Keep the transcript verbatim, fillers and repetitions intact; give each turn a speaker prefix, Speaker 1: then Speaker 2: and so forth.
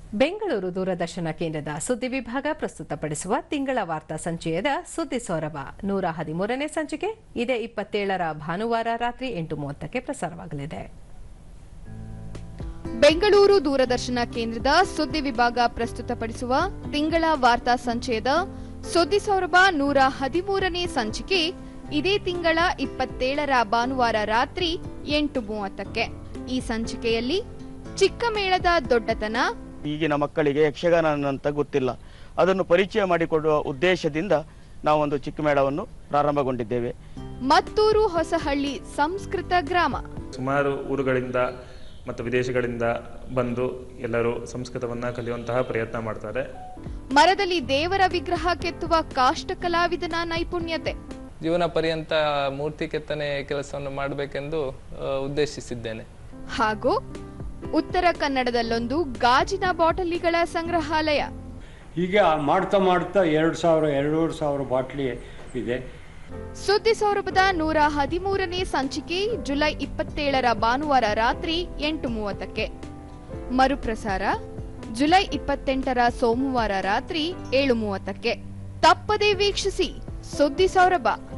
Speaker 1: ಬೆಂಗಳೂರು ದೂರದರ್ಶನ ಕೇಂದ್ರದ ಸುದ್ದಿ ವಿಭಾಗ ಪ್ರಸ್ತುತಪಡಿಸುವ ತಿಂಗಳ ವಾರ್ತಾ ಸಂಚಯದ ಸುದ್ದಿ ಸೌರಭ ನೂರ ಹದಿಮೂರನೇ ಸಂಚಿಕೆ ಇದೇ ಇಪ್ಪತ್ತೇಳರ ಭಾನುವಾರ ರಾತ್ರಿ ಎಂಟು ಮೂವತ್ತಕ್ಕೆ ಪ್ರಸಾರವಾಗಲಿದೆ.
Speaker 2: ಬೆಂಗಳೂರು ದೂರದರ್ಶನ ಕೇಂದ್ರದ ಸುದ್ದಿ ವಿಭಾಗ ಪ್ರಸ್ತುತಪಡಿಸುವ ತಿಂಗಳ ವಾರ್ತಾ ಸಂಚಯದ ಸುದ್ದಿ ಸೌರಭ ನೂರ ಹದಿಮೂರನೇ ಸಂಚಿಕೆ ಇದೇ ತಿಂಗಳ ಇಪ್ಪತ್ತೇಳರ ಭಾನುವಾರ ರಾತ್ರಿ ಎಂಟು ಮೂವತ್ತಕ್ಕೆ. ಈ ಸಂಚಿಕೆಯಲ್ಲಿ ಚಿಕ್ಕ ಮೇಳದ ದೊಡ್ಡತನ,
Speaker 3: ಈಗಿನ ಮಕ್ಕಳಿಗೆ ಯಕ್ಷಗಾನ ಅಂತ ಗೊತ್ತಿಲ್ಲ, ಅದನ್ನು ಪರಿಚಯ ಮಾಡಿಕೊಡುವ ಉದ್ದೇಶದಿಂದ ನಾವೊಂದು ಚಿಕ್ಕ ಮೇಳವನ್ನು ಪ್ರಾರಂಭಗೊಂಡಿದ್ದೇವೆ.
Speaker 2: ಮತ್ತೂರು ಹೊಸಹಳ್ಳಿ ಸಂಸ್ಕೃತ ಗ್ರಾಮ.
Speaker 4: ಸುಮಾರು ಊರುಗಳಿಂದ ಮತ್ತು ವಿದೇಶಗಳಿಂದ ಬಂದು ಎಲ್ಲರೂ ಸಂಸ್ಕೃತವನ್ನ ಕಲಿಯುವಂತಹ ಪ್ರಯತ್ನ ಮಾಡ್ತಾರೆ.
Speaker 2: ಮರದಲ್ಲಿ ದೇವರ ವಿಗ್ರಹ ಕೆತ್ತುವ ಕಾಷ್ಟ ಕಲಾವಿದನ ನೈಪುಣ್ಯತೆ.
Speaker 5: ಜೀವನ ಪರ್ಯಂತ ಮೂರ್ತಿ ಕೆತ್ತನೆ ಕೆಲಸವನ್ನು ಮಾಡಬೇಕೆಂದು ಉದ್ದೇಶಿಸಿದ್ದೇನೆ.
Speaker 2: ಹಾಗೂ ಉತ್ತರ ಕನ್ನಡದಲ್ಲೊಂದು ಗಾಜಿನ ಬಾಟಲಿಗಳ ಸಂಗ್ರಹಾಲಯ.
Speaker 6: ಹೀಗೆ ಮಾಡ್ತಾ ಮಾಡ್ತಾ ಎರಡು ಸಾವಿರ ಎರಡೂವರೆ ಸಾವಿರ ಬಾಟ್ಲಿ ಇದೆ.
Speaker 2: ಸುದ್ದಿ ಸೌರಭದ ನೂರ ಹದಿಮೂರನೇ ಸಂಚಿಕೆ ಜುಲೈ ಇಪ್ಪತ್ತೇಳರ ಭಾನುವಾರ ರಾತ್ರಿ ಎಂಟು ಮೂವತ್ತಕ್ಕೆ. ಮರುಪ್ರಸಾರ ಜುಲೈ ಇಪ್ಪತ್ತೆಂಟರ ಸೋಮವಾರ ರಾತ್ರಿ ಏಳು ಮೂವತ್ತಕ್ಕೆ. ತಪ್ಪದೇ ವೀಕ್ಷಿಸಿ ಸುದ್ದಿ ಸೌರಭ.